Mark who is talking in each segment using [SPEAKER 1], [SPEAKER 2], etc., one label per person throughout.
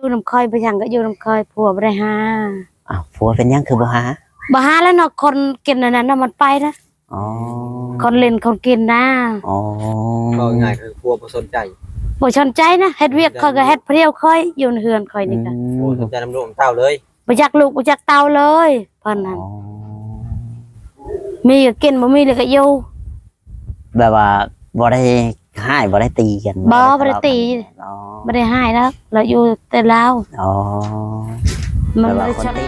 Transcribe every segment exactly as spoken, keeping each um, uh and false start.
[SPEAKER 1] อยู่น้ำคอยไปทางก็อยู่น้ำคอยผัวบ่ได้หา
[SPEAKER 2] อ้าวผัวเป็นยังคือบ่หา
[SPEAKER 1] บ่หาแล้วเนาะคนกินอันนั้นน่ะมันไปนะ
[SPEAKER 2] อ๋อ
[SPEAKER 1] คนเล่นคนกินนะ
[SPEAKER 2] อ๋อ
[SPEAKER 3] ก็ง่ายคือผัวบ่สนใจ
[SPEAKER 1] บ่สนใจนะเฮ็ดเวียกคอยก็เฮ็ดเพลียวคอยอยู่ในเฮือนคอยนี่ก็
[SPEAKER 3] บ่สนใจนำลูกเต้าเลย
[SPEAKER 1] บ่จักลูกบ่จักเต้าเลยเพิ่นนั่นมีก็กินบ่มีเลยก็อยู่
[SPEAKER 2] แบบว่าบ่ได้ให้บ่ได้ตีกัน
[SPEAKER 1] บ่บ่ได้ตีบ่ได้ให้แล้วเราอยู่แต่ลาว
[SPEAKER 2] อ๋อ
[SPEAKER 1] มัน
[SPEAKER 2] เลยชอบ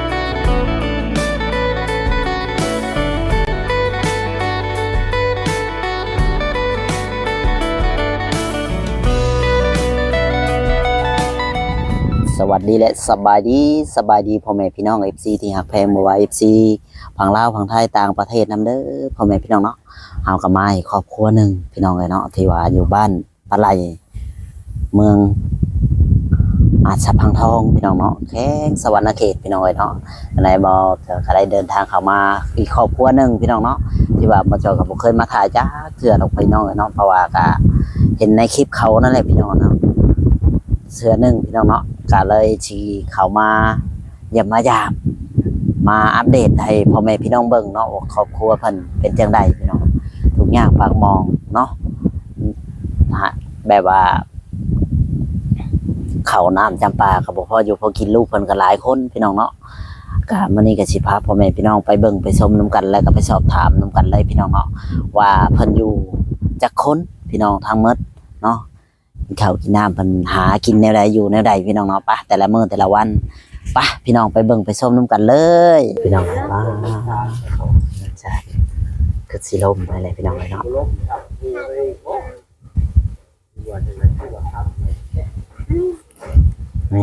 [SPEAKER 2] สวัสดีและสบายดีสบายดีพ่อแม่พี่น้อง เอฟ ซี ที่ฮักแพงบ่ว่า เอฟ ซี ฝั่งลาวฝั่งไทยต่างประเทศนำเด้อพ่อแม่พี่น้องเนาะเฮาก็มาอีกครอบครัวหนึ่งพี่น้องเลยเนาะที่ว่าอยู่บ้านปะไหลเมืองอาจสะพังทองพี่น้องเนาะแข้งสวรรณเขตพี่น้องเลยเนาะในบ่ก็ได้เดินทางเข้ามาอีกครอบครัวหนึ่งพี่น้องเนาะที่ว่าบ่เจอกับบ่เคยมาถ่ายจ้าเทื่อดอกพี่น้องเลยเนาะเพราะว่าก็เห็นในคลิปเขานั่นแหละพี่น้องเนาะเสื้อหนึ่งพี่น้องเนาะก็เลยชี้เขามาเยี่ยมมายามมาอัปเดตให้พ่อแม่พี่น้องเบิ่งเนาะว่าครอบครัวเพิ่นเป็นจังไดพี่น้องทุกอย่างปากมองเนาะแบบว่าเขาน้ำจำปาก็บ่พออยู่พอกินลูกเพิ่นก็หลายคนพี่น้องเนาะก็มื้อนี้ก็สิพาพ่อแม่พี่น้องไปเบิ่งไปชมนํกันแล้วก็ไปสอบถามนํกันเลยพี่น้องเนาะว่าเพิ่นอยู่จักคนพี่น้องทั้งหมดเนาะข้าวกินน้ำเพิ่นหากินแนวใดอยู่แนวใดพี่น้องเนาะปะแต่ละมื้อแต่ละวันปะพี่น้องไปเบิ่งไปชมนํกันเลยพี่น้องว่าใช่คือสิลมไปเลยพี่น้องเลยเนาะนี่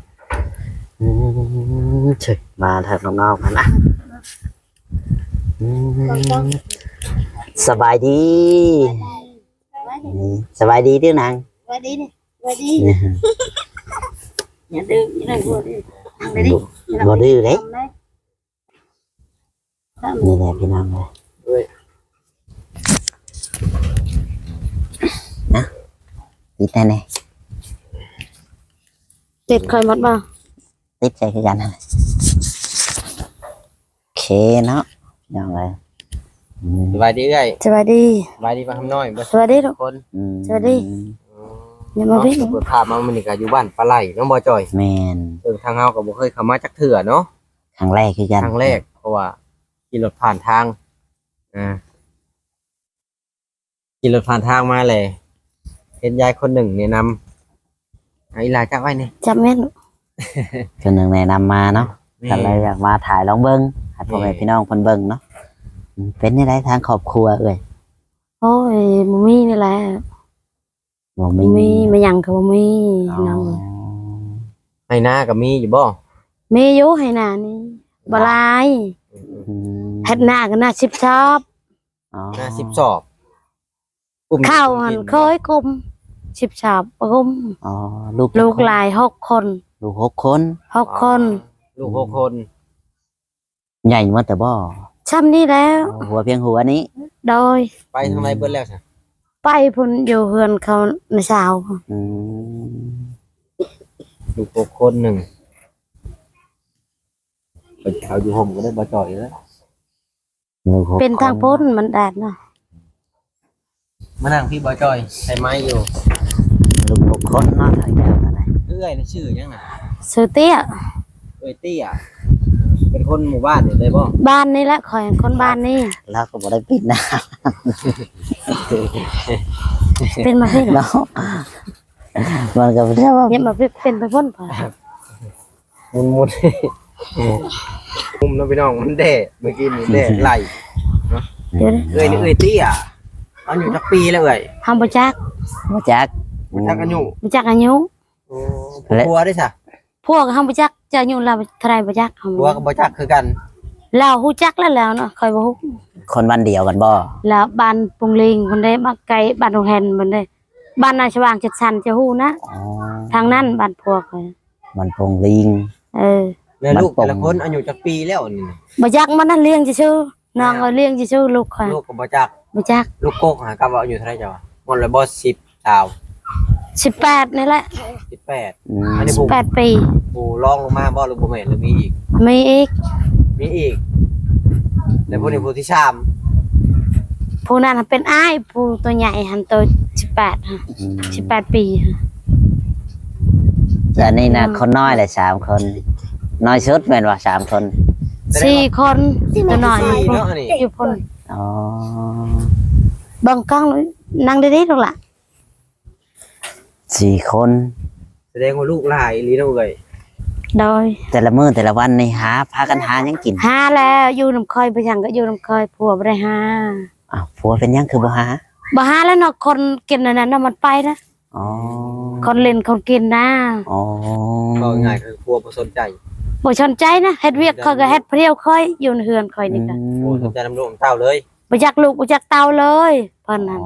[SPEAKER 2] เฉยมาทางน้องๆกันนะสบายดีสบายดีดื้อนาง
[SPEAKER 1] สบายดีนี่สบายดีอย่าดื้ออย่าดื้อบ่ดื้อ
[SPEAKER 2] บ่ดื้อเลยนี่แหละพี่น้องเลยนะติดแน่
[SPEAKER 1] ๆติดคอยหมดบ่
[SPEAKER 2] ติดใจคือกันโอเคเนาะน้องเลย
[SPEAKER 3] สบายดีเอ้ย
[SPEAKER 1] สบายดี
[SPEAKER 3] สบายดีป่ะคำน้อย
[SPEAKER 1] สบายดีทุก
[SPEAKER 3] คน
[SPEAKER 1] สวัสดีอย่ามาวิ่ง
[SPEAKER 3] เปิดภาพมามันนี่ก็อยู่บ้านปลาไหลน้องบ่จอย
[SPEAKER 2] แม่น
[SPEAKER 3] เออทางเฮาก็บ่เคยเข้ามาจักเทื่อเนาะ
[SPEAKER 2] ครั้งแรกคือกัน
[SPEAKER 3] ครั้งแรกเพราะว่าขี่รถผ่านทางอ่าขี่รถผ่านทางมาเลยเห็นยายคนหนึ่งแนะนำไอ้ลาจักไว้นี่
[SPEAKER 1] จับแม่น
[SPEAKER 2] คนหนึ่งแนะนำมาเนาะก็เลยอยากมาถ่ายลองเบิ่งให้พ่อแม่พี่น้องเพิ่นเบิ่งเนาะเป็นในได้ทางครอบครัวเอ้ย
[SPEAKER 1] โอ้ยบ่มีนี่แหละ
[SPEAKER 2] บ่มี
[SPEAKER 1] มีมาหยังก็บ่มีน้อง
[SPEAKER 3] ให้หน้าก็มีอยู่บ่
[SPEAKER 1] มีอยู่ให้หน้านี่บ่หลายเฮ็ดหน้าก็หน้าสิบชอบ
[SPEAKER 2] อ๋อ
[SPEAKER 3] หน้าสิบสอบ
[SPEAKER 1] ข้าวหั่นเคยกุมสิบชอบกุม
[SPEAKER 2] อ๋อลูก
[SPEAKER 1] ลูกหลายหกคน
[SPEAKER 2] ลูกหกคน
[SPEAKER 1] หกคน
[SPEAKER 3] ลูกหกคน
[SPEAKER 2] ใหญ่มาแต่บ่
[SPEAKER 1] ซ้ำนี่แล้ว
[SPEAKER 2] หัวเพียงหัวนี้
[SPEAKER 1] โดย
[SPEAKER 3] ไปทางไหนเบิดแล้วซะ
[SPEAKER 1] ไปพุ่นอยู่เฮือนเขาในเช้า
[SPEAKER 2] อืม
[SPEAKER 3] ลูกหกคนหนึ่งไปเขาอยู่ห่มก็ได้บ่จ่อยแล้ว
[SPEAKER 1] เป็นทางพ้นมันแดดเนาะ
[SPEAKER 3] มานั่งพี่บ่จ่อยใส่ไม้อยู่
[SPEAKER 2] ลูกหกคนเนาะถ่ายแบบอะไร
[SPEAKER 3] เอ้ยนี่ชื่อยังน่ะ
[SPEAKER 1] ชื่อเตี้ย
[SPEAKER 3] เอ้ยเตี้ยเป็นคนหมู่บ้านนี่เลยบ่
[SPEAKER 1] บ้านนี่แหละข่อยคนบ้านนี่
[SPEAKER 2] แล้วก็บ่ได้ปิดนะ
[SPEAKER 1] เป็นมาเพิ่น
[SPEAKER 2] เนาะมันก็บ่ได้ว่า
[SPEAKER 1] เนี่ยมาเป็นไปพ้นป่ะ
[SPEAKER 3] มุนมุนมุมน้องพี่น้องมันแด่เมื่อกี้นี่แด่ไหลเนาะเอ้ยนี่เอ้ยเตี้ยอายุจักปีแล้วเอ้ย
[SPEAKER 1] ทำบ่จัก
[SPEAKER 2] บ่จัก
[SPEAKER 3] บ่จักอายุ
[SPEAKER 1] บ่จักอายุ
[SPEAKER 3] โอ้ผัวได้ซะ
[SPEAKER 1] พวกทำบ่จักจะอายุเราเท่าไหร่บ่จัก
[SPEAKER 3] ผัวก็บ่จักคือกัน
[SPEAKER 1] เราฮู้จักแล้วแล้วเนาะค่อยบ่ฮู้
[SPEAKER 2] คนบ้านเดียวกันบ่
[SPEAKER 1] แล้วบ้านปุงลิงเพิ่นได้มาไกลบ้านโรงแรมเพิ่นได้บ้านนาชวางจัดสรรจะฮู้นะทางนั้นบ้านพวก
[SPEAKER 2] บ้านปงลิง
[SPEAKER 1] เออ
[SPEAKER 3] แล้วลูกแต่ละคนอายุจักปีแล้วนี่
[SPEAKER 1] บ่จักมันนั่นเลี้ยงซื่อๆน้องเอ้ยเลี้ยงซื่อๆลูกค่ะ
[SPEAKER 3] ลูกก็บ่จัก
[SPEAKER 1] บ่จัก
[SPEAKER 3] ลูกโกกหากับว่าอายุเท่าไหร่จ้ะหมดแล้วบ่สิบ สาว
[SPEAKER 1] สิบแปดนี่แหละ
[SPEAKER 3] สิบแปด
[SPEAKER 2] อืม
[SPEAKER 3] อันนี้
[SPEAKER 1] แปดปี
[SPEAKER 3] ผู้ร้องลงมาบ่หรือบ่แม่นหรือมีอีก
[SPEAKER 1] มีอีก
[SPEAKER 3] มีอีกแต่ผู้นี้ผู้ที่สาม
[SPEAKER 1] ผู้นั้นเป็นอ้ายผู้ตัวใหญ่หันตัวสิบแปดฮะ
[SPEAKER 2] อืม
[SPEAKER 1] สิบแปดปีฮะ
[SPEAKER 2] แต่นี่นะคนน้อยเลยสามคน น้อยสุดแม่นว่าสามคน
[SPEAKER 1] สี่คนตัวหน่อย
[SPEAKER 3] สี่เนาะอันนี้
[SPEAKER 1] อยู่พน
[SPEAKER 2] อ๋อ
[SPEAKER 1] เบังกล้องเลยนั่งได้ๆตรงละ
[SPEAKER 2] สี่คน
[SPEAKER 3] แสดงว่าลูกหลายอีหลีเนาะเอ้ย
[SPEAKER 1] โดย
[SPEAKER 2] แต่ละมื้อแต่ละวันนี่หาพากันหาหยังกิน
[SPEAKER 1] หาแล้วอยู่น้ำคอยไปยังก็อยู่น้ำคอยผัวบ่ได้หา
[SPEAKER 2] อ้าวผัวเป็นหยังคือบ่หา
[SPEAKER 1] บ่หาแล้วเนาะคนกินอันนั้นน่ะมันไปนะ
[SPEAKER 2] อ๋อ
[SPEAKER 1] คนเล่นคนกินนะ
[SPEAKER 2] อ๋อ
[SPEAKER 3] ก็ง่ายคือครัวบ่สนใจ
[SPEAKER 1] บ่สนใจนะเฮ็ดเวียกคอยก็เฮ็ดเพรียวคอยอยู่ในเฮือนคอยนี่ก็
[SPEAKER 3] บ่สนใจน้ำลูกน้ำเต้าเลย
[SPEAKER 1] บ่จักลูกบ่จักเต้าเลยเพิ่นนั่น
[SPEAKER 2] อ๋อ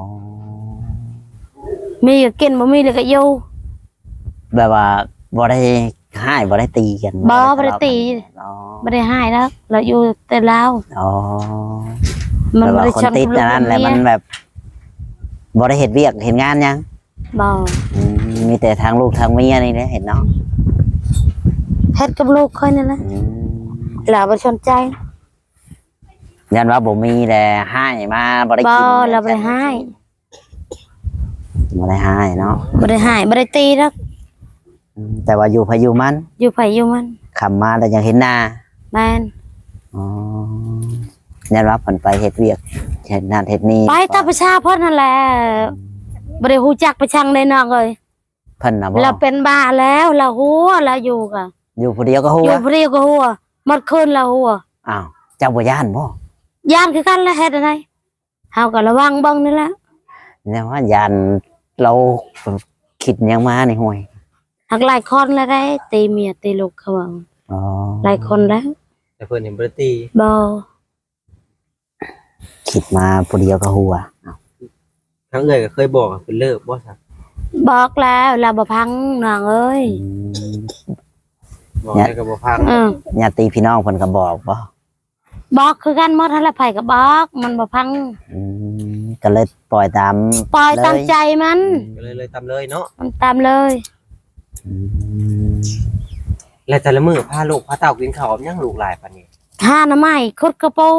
[SPEAKER 1] มีก็กินบ่มีเลยก็อยู่
[SPEAKER 2] แบบว่าบ่ได้ให้บ่ได้ตีกัน
[SPEAKER 1] บ่บ่ได้ตี
[SPEAKER 2] อ๋อ
[SPEAKER 1] บ่ได้หายแล้วเราอยู่แต่ลาว
[SPEAKER 2] อ๋อ
[SPEAKER 1] มัน
[SPEAKER 2] แบบ
[SPEAKER 1] บ่
[SPEAKER 2] ว่า
[SPEAKER 1] ได้
[SPEAKER 2] คน
[SPEAKER 1] ชน
[SPEAKER 2] ติด
[SPEAKER 1] ลูก
[SPEAKER 2] นั่นแหละ
[SPEAKER 1] เย
[SPEAKER 2] มันแบบบ่ได้เฮ็ดเวียกเฮ็ดงานหยัง
[SPEAKER 1] บ่
[SPEAKER 2] อืมมีแต่ทางลูกทางเมียนี่แหละเห็นเนาะ
[SPEAKER 1] เฮ็ดกับลูกคอยนั่นแหละ
[SPEAKER 2] อืม
[SPEAKER 1] เราบ่สนใจ
[SPEAKER 2] ยันว่าบ่มีแต่ให้มาบ่ได้
[SPEAKER 1] บ่
[SPEAKER 2] กิน
[SPEAKER 1] เราบ่ได้หาย
[SPEAKER 2] บ่ได้ให้เนาะ
[SPEAKER 1] บ่ได้หายบ่ได้ตีดอก
[SPEAKER 2] อืมแต่ว่าอยู่พายุมัน
[SPEAKER 1] อยู่ไผอยู่มัน
[SPEAKER 2] ขำมาแล้วยังเห็นหน้า
[SPEAKER 1] แม่น
[SPEAKER 2] อ๋อยันว่าเพิ่นไปเฮ็ดเวียกเฮ็ดนั่นเฮ็ดนี่
[SPEAKER 1] ไปตามประชาเพิ่นนั่นแหละบ่ได้ฮู้จักประชังเลยน้องเอ้ย
[SPEAKER 2] เพิ่นน่ะบ่
[SPEAKER 1] เราเป็นบ้าแล้วเราหัวเราอยู่กะ
[SPEAKER 2] อยู่ผู้เดียวก็ฮู้
[SPEAKER 1] อยู่เพรียวก็หัวหมดคืนเราหัว
[SPEAKER 2] อ้าวเจ้าบ่ย่านบ่
[SPEAKER 1] ย่านคือกันแล้วเฮ็ดอะไรเฮาก็ระวังเบิ่งนี่แหละ
[SPEAKER 2] เนี่ยว่าย่านเราคิดหยังมานี่ห่วย
[SPEAKER 1] หักหลายคนแล้วได้ตีเมียตีลูกเขาว่า
[SPEAKER 2] อ๋อ
[SPEAKER 1] หลายคนแล้ว
[SPEAKER 3] แต่เพิ่นเห็นบ่ได้ตี
[SPEAKER 1] บ่
[SPEAKER 2] คิดมาผู้เดียวก็ฮู้อ่ะ
[SPEAKER 3] ทั้งเอ้ยก็เคยบอกว่าเพิ่นเลิกบ่ซะ
[SPEAKER 1] บอกแล้วเราบ่พังน้องเอ้ย
[SPEAKER 2] อืม
[SPEAKER 3] บอกให้ก็บ่ฟัง
[SPEAKER 1] เออ
[SPEAKER 2] ญาติพี่น้องเพิ่นก็บอกบ่
[SPEAKER 1] บอกคือกันหมดหั่นแหละไผก็บอกมันบ่พัง
[SPEAKER 2] อืมก็เลยปล่อยตาม
[SPEAKER 1] ปล่อย
[SPEAKER 2] เลย
[SPEAKER 1] ตามใจมัน
[SPEAKER 3] ก็เลยเลยตามเลยเนาะ
[SPEAKER 1] มันตามเลย
[SPEAKER 2] อืม
[SPEAKER 3] และแต่ละมื้อพาลูกพาเต้ากินข้าวกับหยังลูกหลายปานนี้
[SPEAKER 1] หาหน่อไม้ขุดกระปู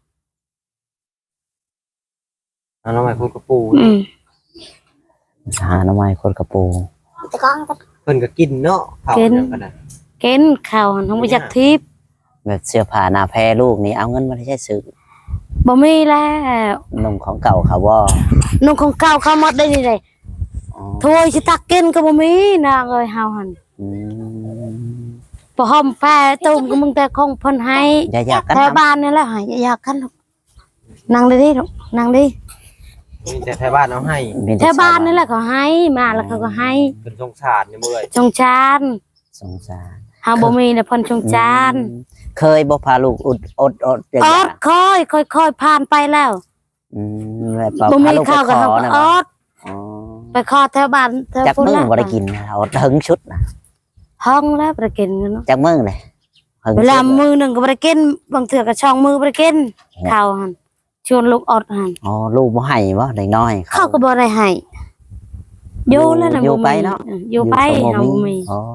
[SPEAKER 3] เอาน้องใหม่พูดกับปู
[SPEAKER 1] อืม
[SPEAKER 2] หาหน่อไม้คนกระปู
[SPEAKER 3] เพิ่นก็กินเนาะข้าวอย่างกันน่ะ
[SPEAKER 1] กินข้าวหั่นบ่รู้จักทิพย์
[SPEAKER 2] แบบเสื้อผ้าหน้าแพรลูกนี่เอาเงินมาได้ใช้ซื้อ
[SPEAKER 1] บ่มีแล้ว
[SPEAKER 2] นมของเก่าเขาบ่
[SPEAKER 1] นุ่งของเก่าเข้าหมดได้นี่เลย
[SPEAKER 2] อ๋อ
[SPEAKER 1] ถ้วยสิตักกินก็บ่มีนางเอ้ยเฮาหั่น
[SPEAKER 2] อืม
[SPEAKER 1] บ่หอมแฟตุ้มก็มึงแต่คงเพิ่นให้
[SPEAKER 2] อย่าอยากกัน
[SPEAKER 1] แถว
[SPEAKER 2] นะ
[SPEAKER 1] บ้านนี่แหละหายอยากกันลูกนั่งได้ดิลูกนั่งดิ
[SPEAKER 3] มีแต่ไทยบ้านเอาให้
[SPEAKER 2] มี
[SPEAKER 1] แถวบ้านนี่แหละเขาให้มาแล้วเขาก็ให้
[SPEAKER 3] เป็นสงสารนี่เมื่อย
[SPEAKER 1] จงจาน
[SPEAKER 2] สงสาร
[SPEAKER 1] เฮาบ่มีแต่เพิ่นจงจาน
[SPEAKER 2] อืมเคยบ่พาลูกอดอดอดอย่าง
[SPEAKER 1] อ
[SPEAKER 2] เงี้
[SPEAKER 1] อย ดค่อยค่อยค่อยผ่านไปแล้ว
[SPEAKER 2] อืมแบบ
[SPEAKER 1] บ่
[SPEAKER 2] พา
[SPEAKER 1] มี
[SPEAKER 2] ลูกไป
[SPEAKER 1] ข้าว
[SPEAKER 2] ข
[SPEAKER 1] ก็
[SPEAKER 2] อ
[SPEAKER 1] เฮาก็
[SPEAKER 2] นะ
[SPEAKER 1] อ
[SPEAKER 2] บ่
[SPEAKER 1] อด
[SPEAKER 2] อ๋อ
[SPEAKER 1] ไปขอแถวบ้านแถว
[SPEAKER 2] จัก
[SPEAKER 1] พุ่น
[SPEAKER 2] มึง
[SPEAKER 1] แล้ว
[SPEAKER 2] บ่ได้กินนะอดถึงชุดนะ
[SPEAKER 1] ห้องแล้วบ่ได้กินกันเนาะ
[SPEAKER 2] จักมึงเลยถึง
[SPEAKER 1] เวลา
[SPEAKER 2] ชุด
[SPEAKER 1] มือหนึงก็บ่ได้กินบางเทื่อก็ช่องมือบ่ได้กินข้าวหั่นชวนลูกอดหั่น
[SPEAKER 2] อ๋อลูกบ่ให้บ่เด็กน้อย
[SPEAKER 1] เขาก็บ่ได้ให้อยู่แล้วนะ
[SPEAKER 2] อยู่
[SPEAKER 1] บ่มี
[SPEAKER 2] ไปเนาะ
[SPEAKER 1] อออยู่ไป
[SPEAKER 2] ก็
[SPEAKER 1] เฮาบ่มี
[SPEAKER 2] อ๋อบ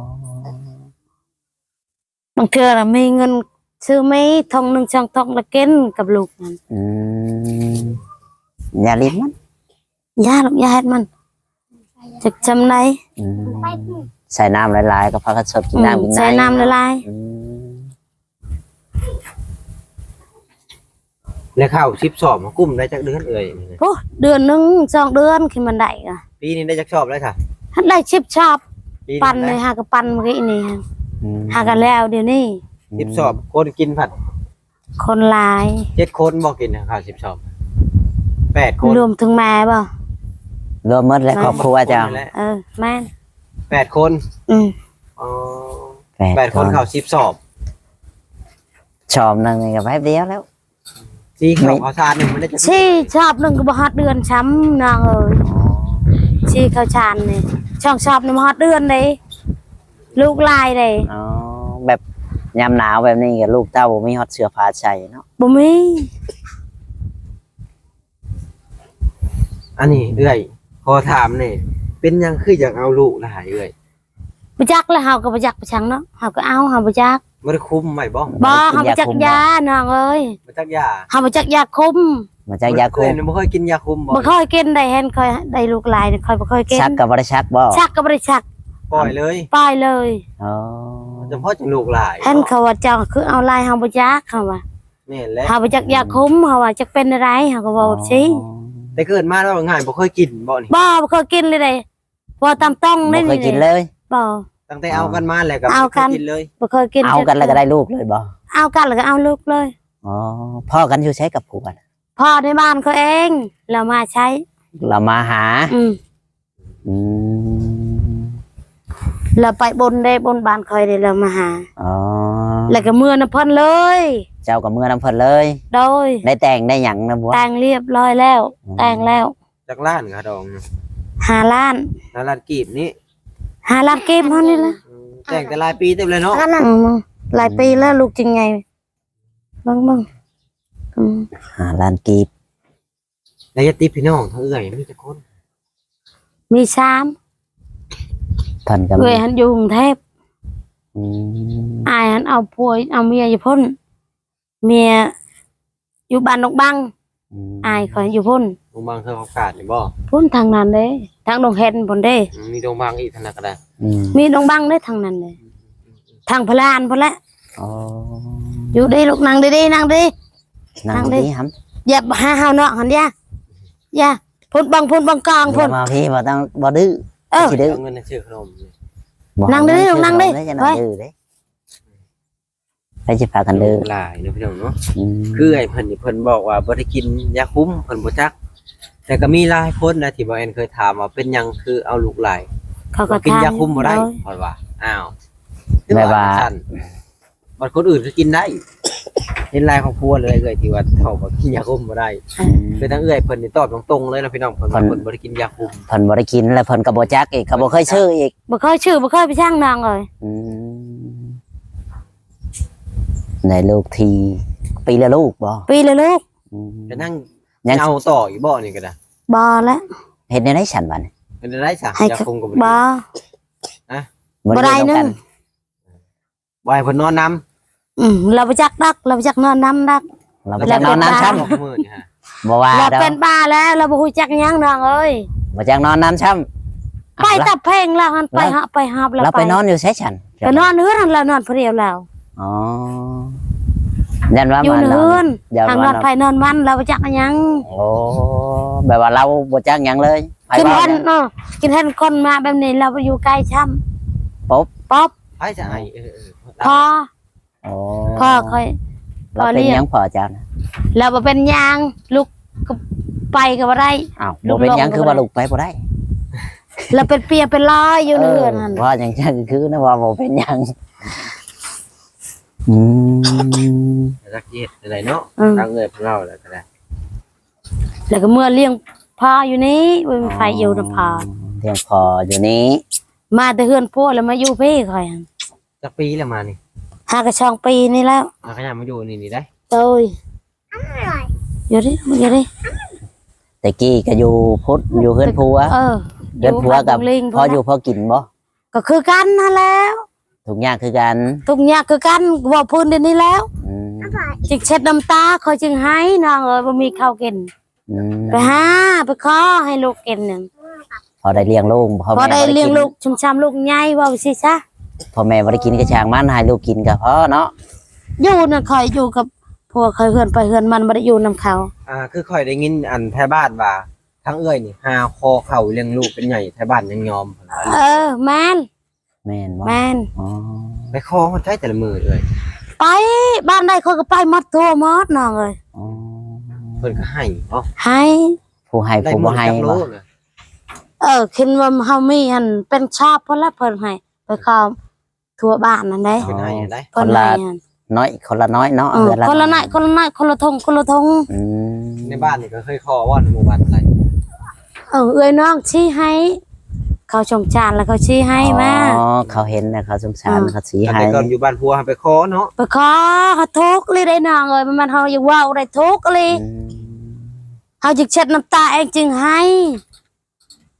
[SPEAKER 1] างเทื่อน่ะมีเงินซื้อไม่ทองหนึ่งช่องทองละกินกับลูกมัน
[SPEAKER 2] อืมอย่าลิ้นมัน
[SPEAKER 1] ยาลูกยาเฮ็ดมันจักจำไหน
[SPEAKER 2] อืมใส่น้ำหลายๆก็พากันสดกินน้ำกิน
[SPEAKER 1] ใส่น้ำละลาย
[SPEAKER 2] อืม
[SPEAKER 3] และข้าวสิบสอบมากุ้มได้จักเดือนเอ่ย
[SPEAKER 1] โอ้เดือนหนึงสองเดือนขึ้นมันได้ก็
[SPEAKER 3] ปีนี้ได้จักชอบแล้วค่ะ
[SPEAKER 1] หันได้ชิบชอบ
[SPEAKER 3] ปี
[SPEAKER 1] ปั่นเล
[SPEAKER 3] ได้
[SPEAKER 1] ยหากับปั่นเมื่อกี้นี่ฮะ
[SPEAKER 2] อืม
[SPEAKER 1] หากันแล้วเดี๋ยวนี้
[SPEAKER 3] สิบสอบคนกินผัด
[SPEAKER 1] คนหลาย
[SPEAKER 3] เจ็ดคนบอกกินนะข้าวสิบสอบแปดคน
[SPEAKER 1] รวมถึงแม่บ่
[SPEAKER 2] รวมหมดและครอบครัวเจ้า
[SPEAKER 3] คนนี่แหละ
[SPEAKER 1] เออแม่น
[SPEAKER 3] แปดคน
[SPEAKER 1] อืม
[SPEAKER 3] อ๋อแปดคนข้าวสิบสอบ
[SPEAKER 2] ชอบหนึงนี่ก็แป๊บเดียวแล้ว
[SPEAKER 3] ซีข้าวข้าวสารหนึ่งมันได้จะ
[SPEAKER 1] ชีชอบหนึงก็บ่ฮอดเดือนช้ำนางเอ้ยชีข้าวชานนี่ช่องชอบนี่บ่ฮอดเดือนเลยลูกลายเลย
[SPEAKER 2] อ๋อแบบยามหนาวแบบนี้กับลูกเต้าบ่มีฮอตเสื้อผ้าใส่เนาะ
[SPEAKER 1] บ่มี
[SPEAKER 3] อันนี้เอื้อยขอถามนี่เป็นหยังคืออยากเอาลูกหลายเอ้ย
[SPEAKER 1] บ่จักแล้วเฮาก็บ่จักไปชังเนาะเฮาก็เอาเฮาบ่จัก
[SPEAKER 3] บ่ได้คุมไว้บ่
[SPEAKER 1] บ่เฮาบ่จักยาน้องเอ้ย
[SPEAKER 3] บ่จักยา
[SPEAKER 1] เฮาบ่จักยาคุม
[SPEAKER 2] มาจากยาคุ
[SPEAKER 3] เอ้
[SPEAKER 2] ม
[SPEAKER 3] ยบ่เคยกินยาคุมบ่
[SPEAKER 1] บ่ค่อยกินได้เห็นค่อยได้ลูกหลายนี่ค่อยบ่ค่อยกิน
[SPEAKER 2] ชักก็บ่ได้ชักบ่
[SPEAKER 1] ชักก็บ่ได้ชัก
[SPEAKER 3] ปล่อยเลย
[SPEAKER 1] ปล่อยเลย
[SPEAKER 2] อ๋อ
[SPEAKER 3] เฉพาะจังลูกหลาย
[SPEAKER 1] เห็นเขาว่าเจ้าคือเอาลายเฮาบ่จักเขาว่า
[SPEAKER 3] แม่นแล้ว
[SPEAKER 1] เฮาบ่จักยาคุมเฮาว่าจักเป็นอะไรเฮาก็บอกสิ
[SPEAKER 3] แต่เกิดมาแล้วง่ายบ่เคยกินบ่นี่
[SPEAKER 1] บ่บ่เคยกินเลยเด้บ่ตามต้อง
[SPEAKER 2] บ่
[SPEAKER 1] ได้
[SPEAKER 2] เคยกินเลย
[SPEAKER 1] บ่
[SPEAKER 3] ตั้งแต่เอากันมาแล้วก็
[SPEAKER 1] เอา
[SPEAKER 3] บ่เค
[SPEAKER 1] กั
[SPEAKER 3] ย
[SPEAKER 1] น
[SPEAKER 3] กินเลย
[SPEAKER 1] บ่เคยกิน
[SPEAKER 2] เอากันแล้วก็ได้ลูกเลยบ่
[SPEAKER 1] เอากันแล้วก็เอาลูกเลย
[SPEAKER 2] อ๋อพ่อกันอยู่ใช้กับผัว
[SPEAKER 1] พ่อในบ้านเขาเองเรามาใช้
[SPEAKER 2] เรามาหา
[SPEAKER 1] อืม
[SPEAKER 2] อืม
[SPEAKER 1] เราไปบนได้บนบ้านคอยได้เรามาหา
[SPEAKER 2] อ๋อ
[SPEAKER 1] แล้วก็เมื่อน้ำเพ่นเลย
[SPEAKER 2] เจ้ากับเมื่อน้ำเพิ่นเลย
[SPEAKER 1] โดย
[SPEAKER 2] ได้แต่งได้หยังนะบัว
[SPEAKER 1] แต่งเรียบร้อยแล้ว แต่งแล้ว
[SPEAKER 3] จักล้านค่ะดอง
[SPEAKER 1] หาล้าน
[SPEAKER 3] นาลานกีบนี่
[SPEAKER 1] หาล้านเกมเท่านี้ละ
[SPEAKER 3] อืมแต่งแต่หลายปีเต็มเลยเนาะ
[SPEAKER 1] อืมหลายปีแล้วลูกจริงไงบ้างบ้างอืม
[SPEAKER 2] หาล้านกีบ
[SPEAKER 3] แล้วจะติพี่น้องเท่าเอ้ยมีแต่คน
[SPEAKER 1] มีสาม
[SPEAKER 2] เพิ่นกับ
[SPEAKER 1] เวยหันอยู่กรุงเทพ
[SPEAKER 2] อืม
[SPEAKER 1] อายหันเอาผัวเอาเมียอยู่พ้นเมียอยู่บ้านนกบังอายคอยอยู่พ้น
[SPEAKER 3] โรงพยาบาลเคยประกาศนี่บ่
[SPEAKER 1] พ้นทางนั้นเด้ทางดงเห็นพ้นเด้
[SPEAKER 3] อืมมีโรงพยาบาลอีกธนาคาร
[SPEAKER 2] อืม
[SPEAKER 1] มีดงบังได้ทางนั้นเลยทางพลานพนแหละ
[SPEAKER 2] อ๋อ
[SPEAKER 1] อยู่ดีลูกนั่งดีๆนั่งดี
[SPEAKER 2] นั่
[SPEAKER 1] นั่
[SPEAKER 2] ง
[SPEAKER 1] งดิ
[SPEAKER 2] ดีครับ
[SPEAKER 1] อย่าหาเฮาเนาะหันอย่าอย่าพ่นบังพ่นบังกลาง
[SPEAKER 2] อย่า
[SPEAKER 1] พ่น
[SPEAKER 2] มาพี่บ่ต้องบ่ดื้อ
[SPEAKER 1] เออ
[SPEAKER 2] สิดื้อ
[SPEAKER 3] เอาเงินในชื่อขนมนี่
[SPEAKER 2] บ่
[SPEAKER 1] นั่งดิลูกนั่งดิ
[SPEAKER 2] ให้จะ
[SPEAKER 1] ไว้
[SPEAKER 2] นั่งดื้อเด้ไปสิพากันดื้อ
[SPEAKER 3] หลายเนาะพี่น้องเนาะ
[SPEAKER 2] อืม
[SPEAKER 3] คือไอ้เพิ่นนี่เพิ่นบอกว่าบ่ได้กินยาคุ้มเพิ่นบ่จัก แต่ก็มีหลายคนนะที่บ่แอนเคยถามว่าเป็นหยังคือเอาลูกหลาย
[SPEAKER 1] เขาก็
[SPEAKER 3] กิน
[SPEAKER 1] ทาน
[SPEAKER 3] ยาคุ้มบ่ได้
[SPEAKER 1] โย
[SPEAKER 3] เพราะว่าอ้าว
[SPEAKER 2] แบบว่า
[SPEAKER 3] ซั่นบัดคนอื่นก็กินได้เห็นหลายครอบครัวเลยเอ้ยที่ว่าเขาบ่กินยาคุ้มบ่ได้คือทั้งเอ้ยเพิ่นนี่ตอบตรงๆเลยนะพี่น้องเพิ่นว่าเพิ่นบ่ได้กินยาคุ้ม
[SPEAKER 2] เพิ่นบ่ได้กินแล้วเพิ่นก็บ่จักอีกก็บ่เคยชื่ออีก
[SPEAKER 1] บ่เคยชื่อบ่เคยไปช่างนางเลย
[SPEAKER 2] อืมในลูกทีปีละลูกบ่
[SPEAKER 1] ปีเลยลูก
[SPEAKER 2] อืม
[SPEAKER 3] จะนั่ง
[SPEAKER 2] ยัง
[SPEAKER 3] เอาต่ออีกบ่นี่ก็ได้
[SPEAKER 1] บ่แล้ว
[SPEAKER 2] เฮ็ดในได้ฉันบัดนี้
[SPEAKER 3] เป็นได้ซะ
[SPEAKER 1] ให้
[SPEAKER 3] ยา
[SPEAKER 1] เขา
[SPEAKER 3] คุ้มก็บ่
[SPEAKER 1] บ่
[SPEAKER 3] ได้
[SPEAKER 1] บ่ได้นึง
[SPEAKER 3] บ่ให้เพิ่นนอนนำ
[SPEAKER 1] อืมเราไปจักดักเราไปจักนอนน้ำดัก
[SPEAKER 2] เราบ่จักนอนน้ำช้ำ
[SPEAKER 3] มื้อนี่ฮะ
[SPEAKER 2] บ่ว่า
[SPEAKER 1] เรา
[SPEAKER 2] ดอก
[SPEAKER 1] เป็นบ้าแล้วเราบ่ฮู้จักหยังนางเอ้ย
[SPEAKER 2] บ่จักนอนน้ำช้ำ
[SPEAKER 1] ไปตับเพลงแล้วหันไปหาไปหาบ
[SPEAKER 2] เราไปนอนอยู่ใช้ฉัน
[SPEAKER 1] ไปนอนเฮือนเรานอนผู้เดียวแล้ว
[SPEAKER 2] อ๋อยันว่า
[SPEAKER 1] อยู่
[SPEAKER 2] มัน
[SPEAKER 1] เฮือน
[SPEAKER 2] ยัน
[SPEAKER 1] ทางน
[SPEAKER 2] ว่า
[SPEAKER 1] อนไปนอนมันเราไปจักหยัง
[SPEAKER 2] โอ้แบบว่าเราบ่จักหยังเลยไป
[SPEAKER 1] กิน
[SPEAKER 2] ว่า
[SPEAKER 1] เห็นเนาะกินเห็นคนมาแบบนี้เราไปอยู่ใกล้ช้ำ
[SPEAKER 2] ปุ๊บ
[SPEAKER 1] ป๊อบ
[SPEAKER 3] ไปจะไอเออ
[SPEAKER 1] พอ
[SPEAKER 2] โอ้
[SPEAKER 1] พ่อค่อย
[SPEAKER 2] เราเป็นหยังพอเจ้านะ
[SPEAKER 1] เราบ่เป็นหยางลูกก็ไปก็บ่ได้
[SPEAKER 2] อ้าวบ่เป็นหยังคือว่าลูกไปบ่ได้
[SPEAKER 1] เราเป็นเปียเป็นลอยอยู่ในเรือนนั่น
[SPEAKER 2] เพราะอย่างนั้นคือนะว่าบ่เป็นหยังอืม
[SPEAKER 3] รักเย็ดอะไรเนาะทางเงินของเราแล้วก็ได้
[SPEAKER 1] แล้วก็เมื่อเลี้ยงพ่ออยู่นี้บ่มีไฟอยู่นำพ่อ
[SPEAKER 2] เลี้ยงพออยู่นี้
[SPEAKER 1] มาแต่เฮือนพ่อแล้วมาอยู่พี่ค่อยหั่น
[SPEAKER 3] จักปีแล้วมานี่
[SPEAKER 1] หากระช่องปีนี่แล้ว
[SPEAKER 3] อาขยันมาอยู่นี่นี่ได้
[SPEAKER 1] โอ้ยอยู่ดิอยู่ดิ
[SPEAKER 2] แต่กี้ก็อยู่พุทธอยู่เฮือนผัว
[SPEAKER 1] เออ
[SPEAKER 2] เฮือนผัวกับ
[SPEAKER 1] ลิง
[SPEAKER 2] พออยู่พอกินบ่
[SPEAKER 1] ก็คือกันนั่นแล้ว
[SPEAKER 2] ทุกอย่างคือกัน
[SPEAKER 1] ทุกอย่างคือกันบ่พื้นเดี๋ยวนี้แล้ว
[SPEAKER 2] อืม
[SPEAKER 1] จึงเช็ดน้ำตาคอยจึงให้นางเอ้ยบ่มีข้าวกิน
[SPEAKER 2] อืม
[SPEAKER 1] ไปหาไปขอให้ลูกกินนั่น
[SPEAKER 2] พอได้เลี้ยงลูกพ่อ
[SPEAKER 1] พอ
[SPEAKER 2] แม่
[SPEAKER 1] ได้
[SPEAKER 2] บ่
[SPEAKER 1] เลี้ยง
[SPEAKER 2] กิน
[SPEAKER 1] ลูกชุมชามลูกใหญ่ว่าสิซะ
[SPEAKER 2] พ่อแม่บ่ได้กินก็ช่างมันให้ลูกกินก็พอเนาะ
[SPEAKER 1] อยู่น่ะคอยอยู่กับพวกคอยเฮือนไปเฮือนมันบ่ได้อยู่นํเขา
[SPEAKER 3] อ่าคือค่อยได้ยินอันแท้บ้านว่าทั้งเอ้ยนี่หาคอเข่าเลี้ยงลูกเป็นใหญ่แท้บ้านยังยอม
[SPEAKER 1] เออแม่น
[SPEAKER 2] แม่นบ่
[SPEAKER 1] แม่น
[SPEAKER 2] อ๋อ
[SPEAKER 3] ไปคอมันใช้แต่ละมือเลย
[SPEAKER 1] ไปบ้านใดเขาก็ไปหมดทั่วหมดน้องเอ้ย
[SPEAKER 2] อ๋อ
[SPEAKER 3] เพิ่นก็ให้เนาะ
[SPEAKER 1] ให้
[SPEAKER 2] ผู้ให้
[SPEAKER 3] ได้
[SPEAKER 2] ผู้
[SPEAKER 3] หม
[SPEAKER 2] บ่
[SPEAKER 3] ด
[SPEAKER 2] ให้
[SPEAKER 3] จักโล
[SPEAKER 2] บ่
[SPEAKER 3] เลย
[SPEAKER 1] เออคิดว่าเฮามีอันเป็นชอบเพิ่นละเพิ่นให้ไปขอทั่วบ้านนั่นเด้
[SPEAKER 3] เพิ่นให้ได้
[SPEAKER 1] เพิ่นให้อัน
[SPEAKER 2] น้อยคนละน้อยเนาะ
[SPEAKER 1] เออ
[SPEAKER 2] เดือนละ
[SPEAKER 1] คนละน้อยคนละน้อยคนละทงคนละทง
[SPEAKER 2] อืม
[SPEAKER 3] ในบ้านนี่ก็เคยคอว่าในหมู่บ้านอะไร
[SPEAKER 1] เออเอ้ยน้องชี้ให้ เขาชงจานแล้วเขาชี้ให้มา
[SPEAKER 2] อ๋อเขาเห็นนะเขาสงสาร
[SPEAKER 1] อืม
[SPEAKER 2] เขาสี
[SPEAKER 3] แต่
[SPEAKER 2] ให้
[SPEAKER 3] ก่อนอยู่บ้านพัวไปคอเนาะ
[SPEAKER 1] ไปขอเขาทุกข์เลยได้น้องเอ้ยมันเฮาอย่าเว้าได้ทุกข์เลย
[SPEAKER 2] อืม
[SPEAKER 1] เฮาจึกเช็ดน้ำตาเองจึงให้ค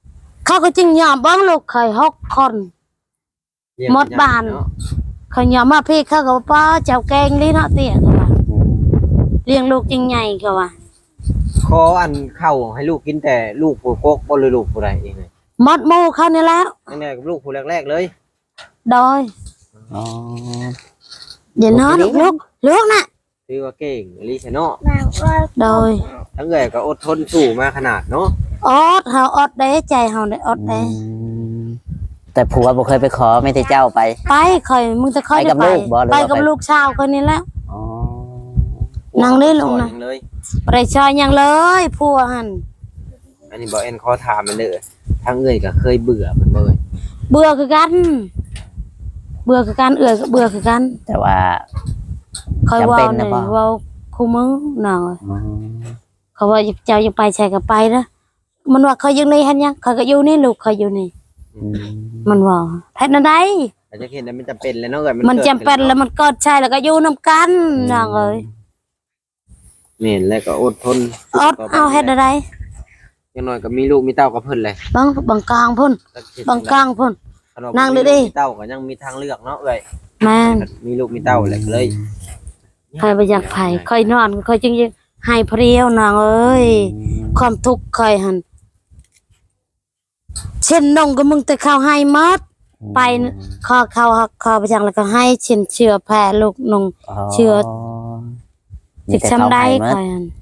[SPEAKER 1] เขาก็จึงยอมเบิ้งลูกเคยหกคนหมดบ้านเขายอมมาพี่เขาก็ป้าเจ้าแกงนี่เนาะเตี้ยเขาว่าเลี้ยงลูกจริงใหญ่เขาว่า
[SPEAKER 3] ขออันเข้าให้ลูกกินแต่ลูกผู้กกบ่เลยลูกผู้ใดเองเลย
[SPEAKER 1] หมดหมู่เขานี่แล้ว
[SPEAKER 3] ตั้งแต่กับลูกผู้แรกๆเลย
[SPEAKER 1] โดย
[SPEAKER 2] อ๋อ
[SPEAKER 1] เดี๋ยวน้องลูกลูกน่ะ
[SPEAKER 3] ถือว่าเก่งลิชเนาะ
[SPEAKER 1] โดย
[SPEAKER 3] ทั้งเอ๋ยก็อดทนสู้มาขนาดเนาะ
[SPEAKER 1] อดเฮาอดได้ใจเฮาได้อดได้
[SPEAKER 2] แต่ผัวบ่เคยไปขอไม่ได้เจ้าไป
[SPEAKER 1] ไปค่อยมึงจะค่อย
[SPEAKER 2] ไปกับลูกบ่
[SPEAKER 1] ไปกับลูกชาวคนนี้แล้ว
[SPEAKER 2] อ๋อ
[SPEAKER 1] นั่งได้ลงนะไปชอยยังเลยผัวหั่น
[SPEAKER 3] อันนี้บ่เอ็นขอถามมันเด้อทั้งเอ๋ยก็เคยเบื่อมันบ่เอ่ย
[SPEAKER 1] เบื่อคือกันเบื่อคือกันเอ่ยก็เบื่อคือกัน
[SPEAKER 2] แต่ว่า
[SPEAKER 1] ค่อยเว้านี่เว้าคู่มือหน่อยเขาว่าเจ้าจะไปใช่ก็ไปนะมันว่าเขาอยู่นี่หั่นยังเขาก็อยู่นี่ลูกเขาอยู่นี่มันว่าแท้นั่นได้
[SPEAKER 3] อาจจะเห็นมันจำเป็นแล้วเนาะเอ้ย
[SPEAKER 1] มันจำเป็นแล้วมันก็ใช่แล้วก็อยู่นำกันน้องเอ้ย
[SPEAKER 3] นี่แล้วก็อดทน
[SPEAKER 1] อดเอาเฮ็ดอะไร
[SPEAKER 3] อย่างน้อยก็มีลูกมีเต้ากับเพิ่นเลย
[SPEAKER 1] บางบางกลางพุ่นบางกลางพุ่นนั่งดิดิ
[SPEAKER 3] เต้าก็ยังมีทางเลือกเนาะเอ้ย
[SPEAKER 1] แม่น
[SPEAKER 3] มีลูกมีเต้าแหละเลย
[SPEAKER 1] ใครบ่อยากไผค่อยนอนค่อยจึงให้เพรียวน้องเอ้ยความทุกข์ค่อยหั่นเช่นนงก็มึงแต่ข้าวให้หมดไปขอข้าวขอไปจังแล้วก็ให้เช่นเชื่อแพ้ลูกนงเชื่อจิกช้ำได้ค่อยหั่น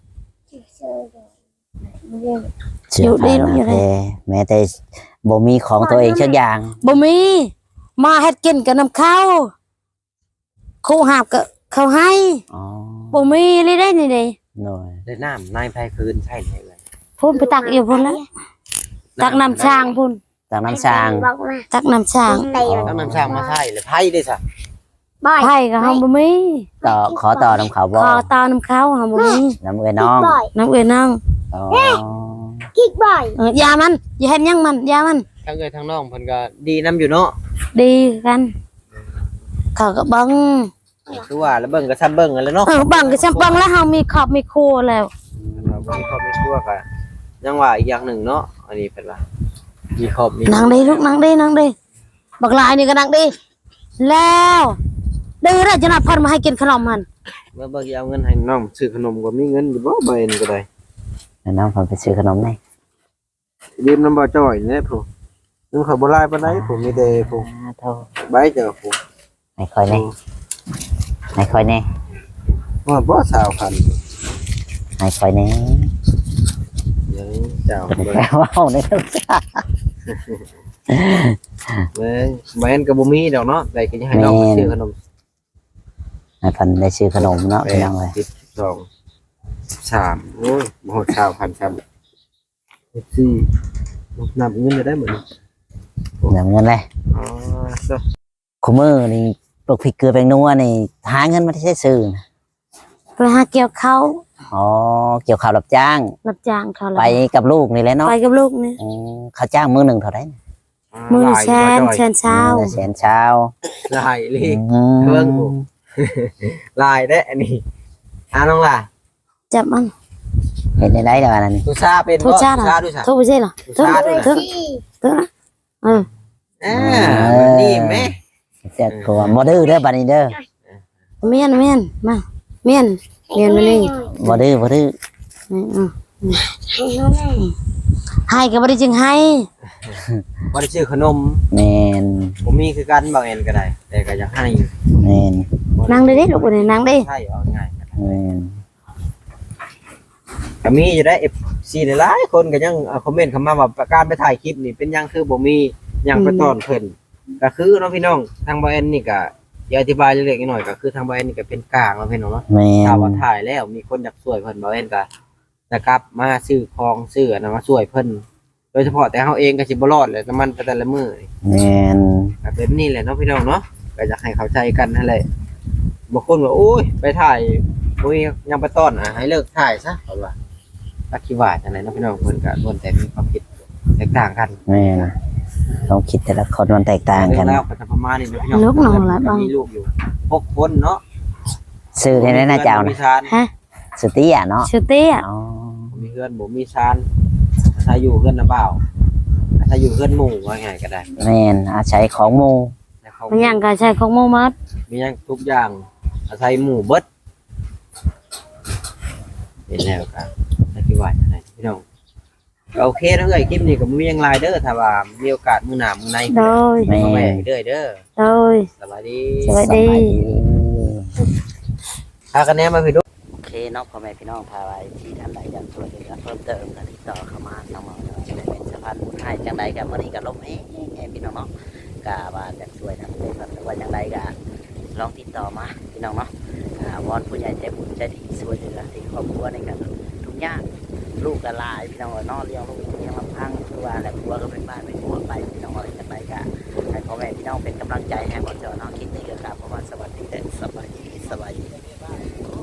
[SPEAKER 2] อยู่ดีลูกอยู่ได้แม้แต่บ่มีของตัวเองสักอย่าง
[SPEAKER 1] บ่มีมาเฮ็ดกินกับน้ำข้าวครูหาบก็เขาให้
[SPEAKER 2] อ๋อ
[SPEAKER 1] บ่มีเลยได้นี่เด้
[SPEAKER 2] หน่อย
[SPEAKER 3] ได้น้ำนายไผคืนใช่เลย
[SPEAKER 1] พุ่นไปตักอยู่พุ่นแล้วตักน้ำช้างพุ่น
[SPEAKER 2] ตักน้ำช้าง
[SPEAKER 1] ตักน้ำช้าง
[SPEAKER 3] ตักน้ำช้างมาใช่เลยไผได้ซะ
[SPEAKER 1] ไผก็เฮาบ่มี
[SPEAKER 2] ต่อขอต่อน้ำเขาบ่
[SPEAKER 1] ขอต่อน้ำเขาเฮาบ่มี
[SPEAKER 2] น้ำเอ้ยน้อง
[SPEAKER 1] น้ำเอ้ยน้อง
[SPEAKER 2] อ๋อ
[SPEAKER 1] กิ๊กบ่อยเออยามันอย่าเฮ็ดหยังมันยามัน
[SPEAKER 3] ทั้งเอ้ยทั้งน้องเพิ่นก็ดีนำอยู่เนาะ
[SPEAKER 1] ดีกันเขาก็บัง
[SPEAKER 3] คือว่าแล้วเบิ่งก็ซ้ำเบิ่งกันแล้วเนาะ
[SPEAKER 1] เออบังก็ซ้ำบังแล้วเฮามีครอบมีครัวแล้ว
[SPEAKER 3] เรามีครอบมีครัวก็ยังว่าอีกอย่างหนึ่งเนาะอันนี้เพิ่นว่ามีครอบมี
[SPEAKER 1] นั่งดิลูกนั่งดินั่งดิบักหลายนี่ก็นั่งดิแล้วดื้อแล้วจะนัดเพิ่นมาให้กินขนมมัน
[SPEAKER 3] เมื่อเบิ่งเอาเงินให้น้องซื้อขนมก็มีเงินอยู่บ่ใบนึงก็ได้
[SPEAKER 2] น้องเพิ่นไปซื้อขนมได้
[SPEAKER 3] ยืมน้ำบ่จ้อยเนี่ยผู้นึงเขาบ่หลายปานใดผู้มีแต่ผู้
[SPEAKER 2] โธ่
[SPEAKER 3] ใบเจ้าผู้
[SPEAKER 2] ให้ค่อยแน่ให้ค่อยแน่
[SPEAKER 3] ว่าบ่สาวพัน
[SPEAKER 2] ให้ค่อยแน่
[SPEAKER 3] ยังเจ้า
[SPEAKER 2] บ่ว้าวได้ทุกอย่าง
[SPEAKER 3] เว้ยแม่นก็บ่มีดอกเนาะได้ก็ยังให้น้องซื้อขนม
[SPEAKER 2] ให้เพิ่นได้ซื้อขนมเนาะพี่น้องเอ้ย
[SPEAKER 3] สิบสอง สามโอ้ยบ่ฮอดสามพันครับสี่นับเงินได้เหมือน
[SPEAKER 2] นับเงินเลย
[SPEAKER 3] อ๋อซะ
[SPEAKER 2] คุมื้อนี่ปลูกพริกเกลือแป้งนัวนี่หาเงินมาได้ซื้อ
[SPEAKER 1] ไปหาเกี่ยวข้าว
[SPEAKER 2] อ๋อเกี่ยวข้าวรับจ้าง
[SPEAKER 1] รับจ้างเขา
[SPEAKER 2] ไปกับลูกนี่แหละเนาะ
[SPEAKER 1] ไปกับลูกนี่
[SPEAKER 2] อือเขาจ้างมื้อนึงเท่าใด
[SPEAKER 1] มื้อละแสนแสนเช้า
[SPEAKER 2] แสนเช้า
[SPEAKER 3] หลายเลยเบิ่งบ่หลายเด้อันนี้อ่าน้องล่ะ
[SPEAKER 1] จับมัน
[SPEAKER 2] เห็นได้แล้วนั่น
[SPEAKER 3] ทุซาเป็น
[SPEAKER 1] บ่ทุซาด้วยทุบ่ใช่เหรอทุทุทุเออ
[SPEAKER 3] อ่านี่แม่
[SPEAKER 2] จะกลัวบ่ดื้อเด้อบัดนี้เด้อ
[SPEAKER 1] เมียนเมียนมาเมียนเมียนมานี่
[SPEAKER 2] บ่ดื้อบ่ดื้อ
[SPEAKER 1] ให้ก็บ่ได้จึงให้
[SPEAKER 3] บ่ได้ซื้อขนม
[SPEAKER 2] แม่น
[SPEAKER 3] บ่มีคือกันบางแอนก็ได้แต่ก็อยากให้
[SPEAKER 2] แม่น
[SPEAKER 1] นั่งดิลูกนี่นั่งดิ
[SPEAKER 3] ใช่เอาง่าย
[SPEAKER 2] แม่น
[SPEAKER 3] ก็มีอยู่ได้ เอฟ ซี หลายคนก็ยังคอมเมนต์เข้ามาว่าการไปถ่ายคลิปนี่เป็นยังคือบ่มียังไปต้อนเพิ่นก็คือเนาะพี่น้องทางบ่แอนนี่ก็อย่าอธิบายเล็กๆน้อยๆก็คือทางบ่แอนนี่ก็เป็นกลางเนาะพี่น้องเนาะถ้าว่าถ่ายแล้วมีคนอยากช่วยเพิ่นบ่แอนก็นะครับมาซื้อของซื้ออันนั้นมาช่วยเพิ่นโดยเฉพาะแต่เฮาเองก็สิบ่รอดแหละน้ำมันแต่ละมื้อ
[SPEAKER 2] แม่น
[SPEAKER 3] ก็เป็นนี่แหละเนาะพี่น้องเนาะก็อยากให้เข้าใจกันนั่นแหละบางคนว่าโอ้ยไปถ่ายบ่มียังไปต้อนอ่ะให้เลิกถ่ายซะเพิ่นว่าอธิบายจังได๋เนาะพี่น้องเพิ่นก็ล้วนแต่มีความคิดแตกต่างกัน
[SPEAKER 2] แม่นความคิดแต่ละคนมันแตกต่างกัน
[SPEAKER 3] แล้วก็จะประมาณนี้เนาะพี่น้องลูกน้องหลายบ่มีลูกอยู่หกคนเนาะ
[SPEAKER 2] ชื่อได้นะเจ้านะ
[SPEAKER 1] ฮะ
[SPEAKER 2] สุติอ่ะเนาะ
[SPEAKER 1] สุติอ่ะ
[SPEAKER 3] อ๋อมีเพื่อนบ่มีชานถ้าอยู่เพื่อนน่ะบ่าวถ้าอยู่เพื่อนหมู่ว่าไงก็ได้
[SPEAKER 2] แม่นอาศัยของหมู่
[SPEAKER 3] แต่เขา
[SPEAKER 1] มันหยังก็ใช้ของหมู่มัด
[SPEAKER 3] มีหยังทุกอย่างอาศัยหมู่เบิดเห็นแล้วครับให้พี่ไหวอะไรพี่น้องก็โอเคนะเอ้ยคลิปนี้ก็บ่มีหยังหลายเด้อถ้าว่ามีโอกาสมื้อหน้ามื้อใน
[SPEAKER 1] โดย
[SPEAKER 2] แม่
[SPEAKER 3] มาแม่เด้อเด้อ
[SPEAKER 1] โดย
[SPEAKER 3] สวัสดี
[SPEAKER 1] สวัสดี
[SPEAKER 2] สบายดี
[SPEAKER 3] พากันแหนมาพี่ดู
[SPEAKER 2] โอเคเนาะพ่อแม่พี่น้องพาไว้ที่ท่านใดอยากช่วยเหลือเพิ่มเติมก็ติดต่อเข้ามาทางหมอเนาะจะได้เป็นสะพานบุญให้จังใดกับวันนี้ก็ลบเองพี่น้องเนาะก็ว่าอยากช่วยทำเลยครับว่าจังใดก็ลองติดต่อมาพี่น้องเนาะอ่าวอนผู้ใหญ่ใจบุญใจดีช่วยเหลือที่ครอบครัวในการทุกอย่างลูกก็หลายพี่น้องเอ้ยเนาะเลี้ยงลูกเลี้ยงลำพังคือว่าแต่ครัวก็เป็นบ้านเป็นครัวไปพี่น้องอะไรจังใดก็ให้พ่อแม่พี่น้องเป็นกำลังใจให้หมดเจ้าเนาะคิดดีกับครับเพราะว่าสวัสดีเด้อสบายดีสบายดี